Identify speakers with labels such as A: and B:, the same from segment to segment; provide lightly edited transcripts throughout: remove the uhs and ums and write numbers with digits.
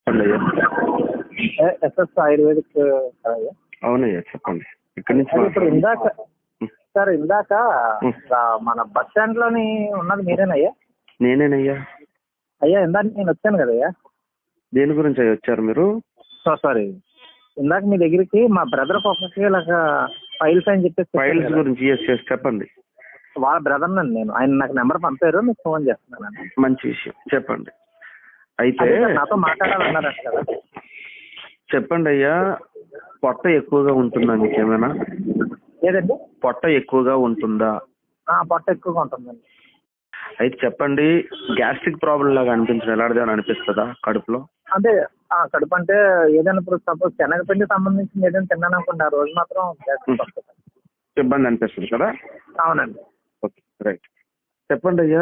A: చెప్పండి అయ్యా.
B: SS ayurvedic కదయ్యా?
A: అవునయ్యా చెప్పండి. ఇక్కడి నుంచి
B: ఇప్పుడు ఇందాక సార్ మన బస్ స్టాండ్ లోని ఉన్నది మీరేనయ్యా?
A: నేనేనయ్యా.
B: అయ్యా ఇందాక నేను వచ్చాను కదయ్యా.
A: దేని గురించి అయ్యా వచ్చారు మీరు?
B: సారీ, ఇందాక మీ దగ్గరికి మా బ్రదర్ ఒక్కొక్కరికి ఇలాగా ఫైల్స్ అని చెప్పేసి
A: ఫైల్స్ గురించి చెప్పండి.
B: వాళ్ళ బ్రదర్ నండి నేను. ఆయన నాకు నెంబర్ పంపారు, మీకు ఫోన్ చేస్తున్నాను.
A: మంచి విషయం చెప్పండి. అయితే
B: నాతో మాట్లాడాలన్నారంట కదా.
A: చెప్పండి అయ్యా. పొట్ట ఎక్కువగా ఉంటుందా మీకేమైనా?
B: లేదండి.
A: పొట్ట ఎక్కువగా ఉంటుందా?
B: పొట్ట ఎక్కువగా ఉంటుందండి.
A: అయితే చెప్పండి, గ్యాస్ట్రిక్ ప్రాబ్లం లాగా అనిపించడం ఎలాంటిదని అనిపిస్తుందా కడుపులో?
B: అంటే కడుపు అంటే ఏదైనా ఇప్పుడు సపోజ్ శనగపిండి సంబంధించిన ఏదైనా తిన్నాను అనుకోండి, ఆ రోజు మాత్రం గ్యాస్ట్రిక్ వస్తుంది.
A: ఇబ్బంది అనిపిస్తుంది కదా?
B: అవునండి.
A: Okay right. చెప్పండి అయ్యా.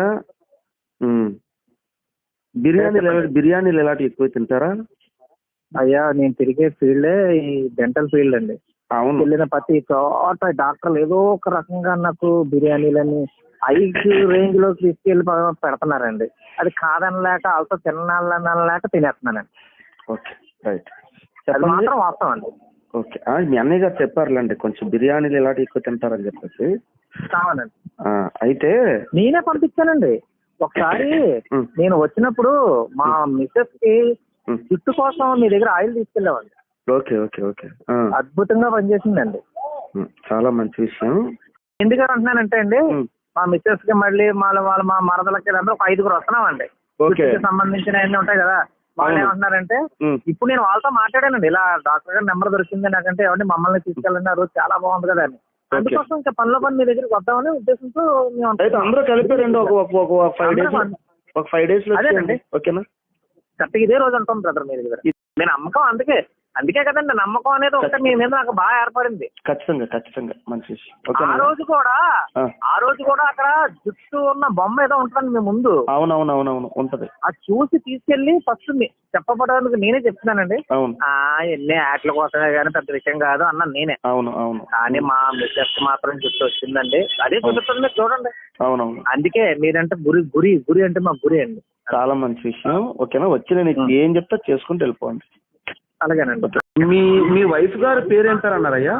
A: బిర్యానీలు ఎలాంటివి ఎక్కువ తింటారా?
B: అయ్యా నేను తిరిగే ఫీల్డే ఈ డెంటల్ ఫీల్డ్ అండి.
A: అవును.
B: వెళ్ళిన ప్రతి చోట డాక్టర్లు ఏదో ఒక రకంగా నాకు బిర్యానీలని ఐదు రేంజ్ లో తీసుకెళ్లి పెడుతున్నారండి. అది కాదనలేక అలస తినాలనలేక తినేస్తున్నానండి.
A: Okay right.
B: అది మాత్రం వాస్తవం అండి.
A: ఓకే, మీ అన్నయ్య గారు చెప్పారులేండి కొంచెం బిర్యానీలు ఎలాంటి ఎక్కువ తింటారని చెప్పేసి.
B: కావాలండి.
A: అయితే
B: నేనే పంపించానండి ఒకసారి. నేను వచ్చినప్పుడు మా మిస్సెస్ కి జుట్టు కోసం మీ దగ్గర ఆయిల్ తీసుకెళ్ళామండి.
A: Okay okay okay.
B: అద్భుతంగా పనిచేసిందండి.
A: చాలా మంచి విషయం.
B: ఎందుకని అంటున్నానంటే అండి, మా మిస్సెస్ కి మళ్ళీ వాళ్ళ మా మరదలకి ఒక 5గురు వస్తున్నామండి. సంబంధించిన అన్ని ఉంటాయి కదా. వాళ్ళు ఏమంటున్నారంటే, ఇప్పుడు నేను వాళ్ళతో మాట్లాడానండి, ఇలా డాక్టర్ గారి నెంబర్ దొరికింది నాకంటే, ఏమంటే మమ్మల్ని తీసుకెళ్ళండి, ఆ రోజు చాలా బాగుంది కదా అని. అందుకోసం ఇంకా పనిలో పని మీ దగ్గరికి వద్దామని ఉద్దేశంతో
A: అందరూ కలిపారండి. ఒక 5 days
B: అదేనండి.
A: ఓకేనా?
B: కరెక్ట్ ఇదే రోజు ఉంటాం బ్రదర్ మీ దగ్గర. నేను నమ్మకం అందుకే కదండి, నమ్మకం అనేది ఒకటి మీ మీద నాకు బాగా ఏర్పడింది.
A: ఖచ్చితంగా మంచి విషయం.
B: ఆ రోజు కూడా అక్కడ జుట్టు ఉన్న బొమ్మ ఏదో ఉంటుంది మీ ముందు.
A: అవునవునవునవును ఉంటది.
B: అది చూసి తీసుకెళ్లి ఫస్ట్ చెప్పబడడానికి నేనే చెప్తున్నానండి. ఎన్ని యాట్ల కోసమే కానీ పెద్ద విషయం కాదు అన్న నేనే.
A: అవును.
B: కానీ మా మిస్సెస్ మాత్రం జుట్టు వచ్చిందండి. అదే చూపిస్తుంది చూడండి.
A: అవునవును.
B: అందుకే మీరంటే గురి అంటే మా గురి అండి.
A: చాలా మంచి విషయం. ఓకేనా? వచ్చి నేను ఏం చెప్తా చేసుకుంటూ వెళ్ళిపోండి.
B: అలాగేనండి.
A: మీ వైఫ్ గారి పేరు ఏం పేరు అన్నారయ్యా?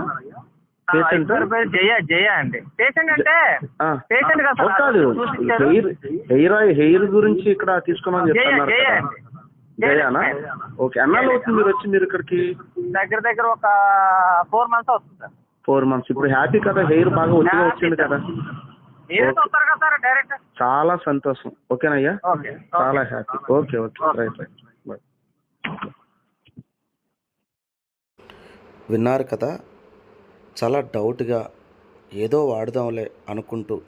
B: జయ అండి. పేషెంట్ అంటే పేషెంట్
A: కాదు, హెయిర్ గురించి ఇక్కడ తీసుకున్నాను చెప్తున్నారు. జయానా? ఓకే. ఎన్నాళ్ళు అవుతుంది మీరు ఇక్కడికి?
B: దగ్గర ఒక 4 months అవుతుంది సార్.
A: 4 months. ఇప్పుడు హ్యాపీ కదా, హెయిర్ బాగా వచ్చింది కదా? చాలా సంతోషం. ఓకేనయ్యా, చాలా హ్యాపీ. Okay right. విన్నారు కదా, చాలా డౌట్గా ఏదో వాడదాంలే అనుకుంటూ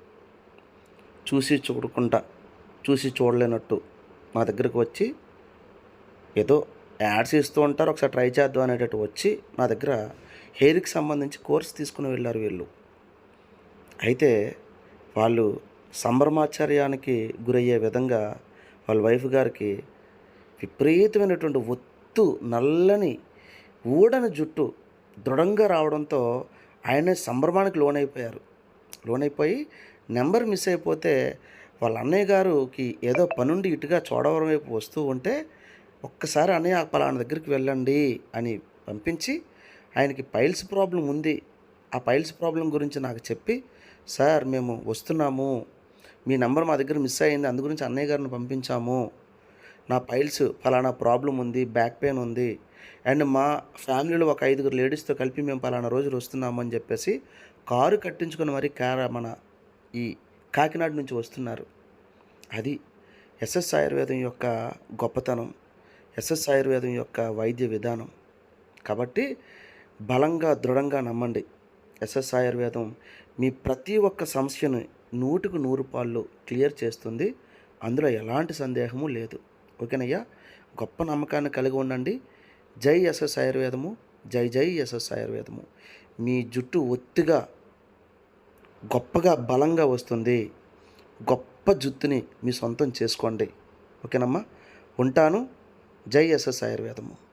A: చూసి చూడలేనట్టు నా దగ్గరకు వచ్చి ఏదో యాడ్స్ ఇస్తూ ఉంటారు, ఒకసారి ట్రై చేద్దాం అనేటట్టు వచ్చి నా దగ్గర హెయిర్కి సంబంధించి కోర్స్ తీసుకుని వెళ్ళారు వీళ్ళు. అయితే వాళ్ళు సంభ్రమాచార్యానికి గురయ్యే విధంగా వాళ్ళ వైఫ్ గారికి విపరీతమైనటువంటి ఒత్తు, నల్లని ఊడని జుట్టు దృఢంగా రావడంతో ఆయన సంభ్రమానికి లోనైపోయి నెంబర్ మిస్ అయిపోతే వాళ్ళ అన్నయ్య గారికి ఏదో పనుండి ఇటుగా చోడవరం వైపు వస్తూ ఉంటే, ఒక్కసారి అన్నయ్య పలానా దగ్గరికి వెళ్ళండి అని పంపించి, ఆయనకి పైల్స్ ప్రాబ్లం ఉంది, ఆ పైల్స్ ప్రాబ్లం గురించి నాకు చెప్పి, సార్ మేము వస్తున్నాము, మీ నెంబర్ మా దగ్గర మిస్ అయ్యింది, అందు గురించి అన్నయ్య గారిని పంపించాము, నా పైల్స్ ఫలానా ప్రాబ్లం ఉంది, బ్యాక్ పెయిన్ ఉంది, అండ్ మా ఫ్యామిలీలో ఒక 5 లేడీస్తో కలిపి మేము పలానా రోజులు వస్తున్నాము అని చెప్పేసి కారు కట్టించుకొని మరి మన ఈ కాకినాడ నుంచి వస్తున్నారు. అది ఎస్ఎస్ ఆయుర్వేదం యొక్క గొప్పతనం, ఎస్ఎస్ ఆయుర్వేదం యొక్క వైద్య విధానం. కాబట్టి బలంగా దృఢంగా నమ్మండి. ఎస్ఎస్ ఆయుర్వేదం మీ ప్రతి ఒక్క సమస్యను 100కు 100 క్లియర్ చేస్తుంది. అందులో ఎలాంటి సందేహము లేదు. ఓకేనయ్యా, గొప్ప నమ్మకాన్ని కలిగి ఉండండి. జై ఎస్ఎస్ ఆయుర్వేదము, జై ఎస్ఎస్ ఆయుర్వేదము. మీ జుట్టు ఒత్తిగా గొప్పగా బలంగా వస్తుంది. గొప్ప జుట్టుని మీ సొంతం చేసుకోండి. ఓకేనమ్మా, ఉంటాను. జై ఎస్ఎస్ ఆయుర్వేదము.